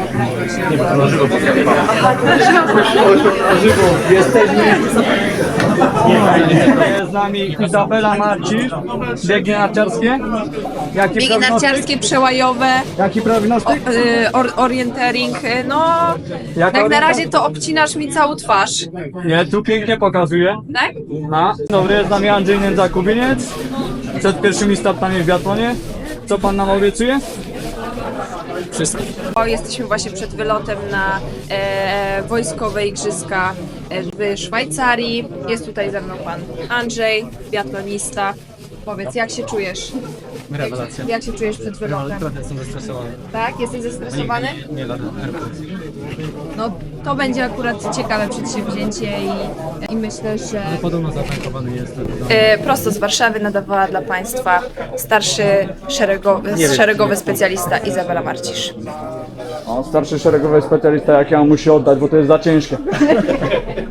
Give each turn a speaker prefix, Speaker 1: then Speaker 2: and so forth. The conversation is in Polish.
Speaker 1: Jesteśmy. Jest z nami Izabela Marcisz, biegi narciarskie.
Speaker 2: Biegi narciarskie, przełajowe,
Speaker 1: Jaki prognostyk?
Speaker 2: orientering, no
Speaker 1: Jak
Speaker 2: jak na razie to obcinasz mi całą twarz,
Speaker 1: Nie, tu pięknie pokazuje.
Speaker 2: tak?
Speaker 1: No. Dobry, jest z nami Andrzej Nędza-Kubiniec. Przed pierwszymi startami w biatlonie. Co pan nam obiecuje?
Speaker 2: Jesteśmy właśnie przed wylotem na wojskowe igrzyska w Szwajcarii. Jest tutaj ze mną pan Andrzej, biatlonista. Powiedz, jak się czujesz?
Speaker 3: Rewelacja.
Speaker 2: Jak się czujesz przed wylotem?
Speaker 3: Trochę jestem zestresowany.
Speaker 2: Tak? Jesteś zestresowany?
Speaker 3: Nie lada.
Speaker 2: No to będzie akurat ciekawe przedsięwzięcie i myślę, że
Speaker 3: Podobno zatankowany jest.
Speaker 2: prosto z Warszawy nadawała dla Państwa starszy szeregowy specjalista Izabela Marcisz.
Speaker 1: O, starszy szeregowy specjalista, jak ja musi oddać, bo to jest za ciężkie.